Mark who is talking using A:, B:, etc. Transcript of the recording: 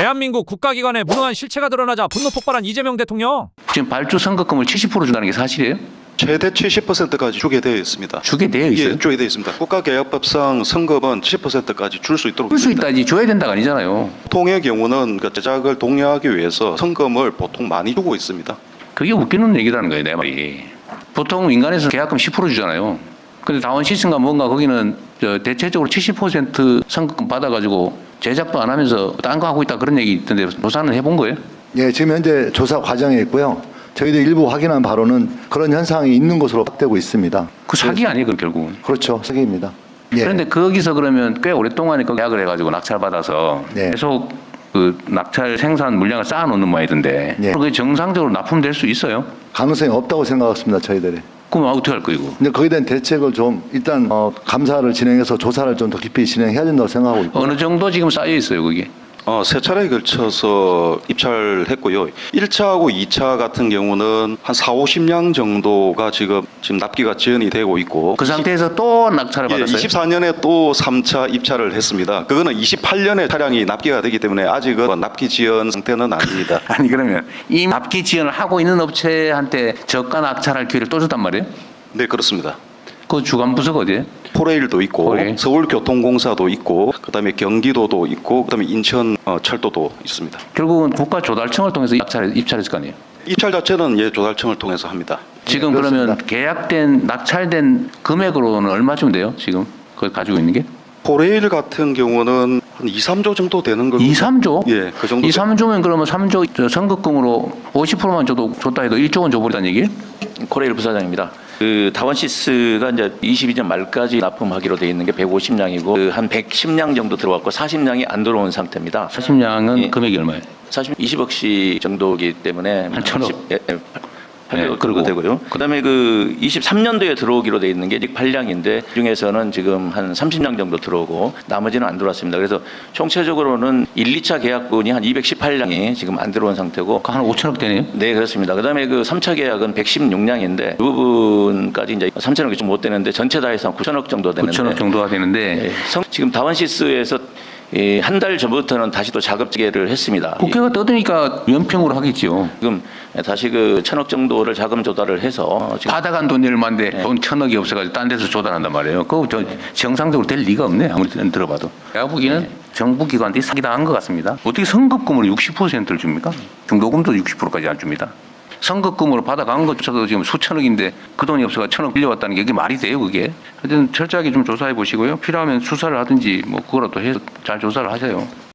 A: 대한민국 국가기관에 무능한 실체가 드러나자 분노 폭발한 이재명 대통령.
B: 지금 발주 선거금을 70% 준다는 게 사실이에요?
C: 최대 70%까지 주게 되어 있습니다.
B: 주게 되어 있어요?
C: 예, 주게 되어 있습니다. 국가계약법상 선거는 70%까지 줄 수 있도록
B: 줄 수
C: 있습니다.
B: 있다지 줘야 된다가 아니잖아요.
C: 보통의 경우는 그 제작을 독려하기 위해서 선거금을 보통 많이 주고 있습니다.
B: 그게 웃기는 얘기라는 거예요, 내 말이. 보통 민간에서 계약금 10% 주잖아요. 근데 다원 시스템과 뭔가 거기는 대체적으로 70% 선거금 받아가지고 제작도 안 하면서 딴 거 하고 있다 그런 얘기 있던데 조사는 해본 거예요?
D: 예, 지금 현재 조사 과정에 있고요. 저희도 일부 확인한 바로는 그런 현상이 있는 것으로 확대되고 있습니다.
B: 그 사기 아니에요, 그 결국은.
D: 그렇죠, 사기입니다. 예.
B: 그런데 거기서 그러면 꽤 오랫동안 그 계약을 해가지고 낙찰 받아서
D: 네.
B: 계속 그 낙찰 생산 물량을 쌓아놓는 모양이던데
D: 네.
B: 그게 정상적으로 납품될 수 있어요?
D: 가능성이 없다고 생각했습니다, 저희들이.
B: 그럼 어떻게 할 거예요, 이거?
D: 근데 거기에 대한 대책을 좀 일단 감사를 진행해서 조사를 좀 더 깊이 진행해야 된다고 생각하고 있고.
B: 어느 정도 지금 쌓여 있어요, 그게?
C: 세 차례에 걸쳐서 입찰했고요. 1차하고 2차 같은 경우는 한 4, 50량 정도가 지금 납기가 지연이 되고 있고
B: 그 상태에서 또 낙찰을
C: 예,
B: 받았어요?
C: 24년에 또 3차 입찰을 했습니다. 그거는 28년에 차량이 납기가 되기 때문에 아직은 납기 지연 상태는 아닙니다.
B: 아니 그러면 이 납기 지연을 하고 있는 업체한테 저가 낙찰할 기회를 또 줬단 말이에요?
C: 네, 그렇습니다.
B: 그 주관 부서가 어디예요?
C: 포레일도 있고
B: 포레일.
C: 서울교통공사도 있고 그다음에 경기도도 있고 그다음에 인천 철도도 있습니다.
B: 결국은 국가조달청을 통해서 입찰했을 거 아니에요?
C: 입찰 자체는 예, 조달청을 통해서 합니다.
B: 지금
D: 네,
B: 그러면
D: 그렇습니다.
B: 계약된 낙찰된 금액으로는 얼마쯤 돼요? 지금 그걸 가지고 있는 게?
C: 포레일 같은 경우는 한 2, 3조 정도 되는 걸로
B: 2, 3조?
C: 예, 그 정도
B: 2, 3조면 그러면 3조 선급금으로 50%만 줬다 해도 1조 원 줘버리다는 얘기예요?
E: 코레일 부사장입니다. 그 다원시스가 이제 22년 말까지 납품하기로 돼 있는 게 150량이고 한 110량 정도 들어왔고 40량이 안 들어온 상태입니다.
B: 40량은
E: 예.
B: 금액이 얼마예요?
E: 사실 20억씩 정도이기 때문에
B: 한 1,000억.
E: 800억
B: 그리고
E: 정도 되고요. 그다음에 그 23년도에 들어오기로 돼 있는 게 8량인데 중에서는 지금 한 30량 정도 들어오고 나머지는 안 들어왔습니다. 그래서 총체적으로는 1, 2차 계약분이 한 218량이 지금 안 들어온 상태고
B: 한 5천억 되네요?
E: 네, 그렇습니다. 그다음에 그 3차 계약은 116량인데 그 부분까지 이제 3천억이 좀 못 되는데 전체 다 해서 한 9천억 정도 되는데
B: 9천억 정도가 되는데
E: 예, 지금 다원시스에서 한 달 전부터는 다시 또 작업 재개를 했습니다.
B: 국회가 떠드니까 연평으로 하겠죠.
E: 지금 다시 그 1,000억 정도를 자금 조달을 해서 지금
B: 받아간 돈이 얼마인데 돈 1,000억이 없어가지고 딴 데서 조달한단 말이에요. 그거 정상적으로 될 리가 없네. 아무리 들어봐도. 내가 보기에는 정부 기관들이 사기당한 것 같습니다. 어떻게 선급금으로 60%를 줍니까? 중도금도 60%까지 안 줍니다. 선급금으로 받아간 것조차도 지금 수천억인데 그 돈이 없어서 1,000억 빌려왔다는 게 이게 말이 돼요, 그게? 하여튼 철저하게 좀 조사해 보시고요. 필요하면 수사를 하든지 뭐 그거라도 해서 잘 조사를 하세요.